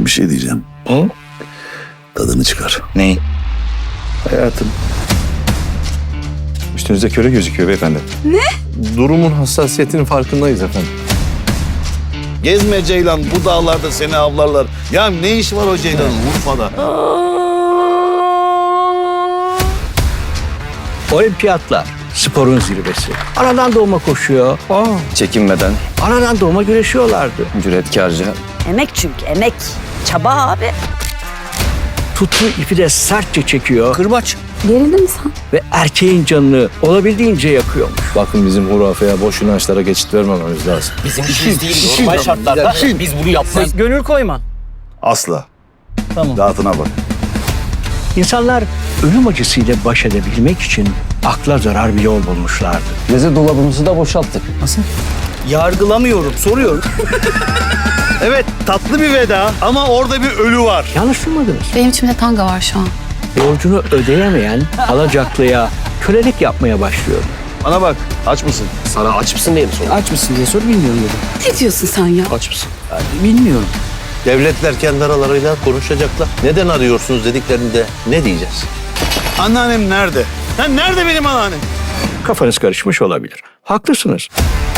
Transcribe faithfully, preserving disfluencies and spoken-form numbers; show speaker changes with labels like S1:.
S1: Bir şey diyeceğim.
S2: Hı?
S1: Tadını çıkar.
S2: Neyi?
S3: Hayatım. Üstünüzde köre gözüküyor beyefendi. Ne? Durumun hassasiyetinin farkındayız efendim.
S1: Gezme Ceylan, bu dağlarda seni avlarlar. Ya ne iş var o Ceylan'ın Urfa'da?
S4: Olimpiyatlar, sporun zirvesi. Anadan doğma koşuyor. Aa,
S2: Çekinmeden,
S4: anadan doğma güreşiyorlardı.
S2: cüretkarca.
S5: Emek çünkü emek. Çaba abi.
S4: Tuttuğu ipi de sertçe çekiyor. Kırbaç.
S5: Gerildin mi sen?
S4: Ve erkeğin canını olabildiğince yakıyormuş.
S3: Bakın bizim hurafeye, boş inançlara geçit vermememiz lazım.
S6: Bizim işimiz değil. Normal şartlarda biz bunu yapmayız.
S4: Gönül koyma.
S1: Asla.
S4: Tamam.
S1: Rahatına bak.
S4: İnsanlar ölüm acısıyla baş edebilmek için akla zarar bir yol bulmuşlardı.
S2: Meze dolabımızı da boşalttık.
S4: Yargılamıyorum, soruyorum.
S1: Evet, tatlı bir veda ama orada bir ölü var.
S4: Yanlış duymadınız.
S7: Benim içimde tanga var şu an.
S4: Borcunu ödeyemeyen alacaklıya kölelik yapmaya başlıyor.
S1: Bana bak, aç mısın?
S6: Sana aç mısın diye mi sordum?
S4: Aç mısın diye sor, bilmiyorum dedim.
S7: Ne diyorsun sen ya?
S6: Aç mısın?
S4: Bilmiyorum.
S8: Devletler kendi aralarıyla konuşacaklar. Neden arıyorsunuz dediklerinde ne diyeceğiz?
S1: Anneannem nerede? Ha, nerede benim anneannem?
S4: Kafanız karışmış olabilir. Haklısınız.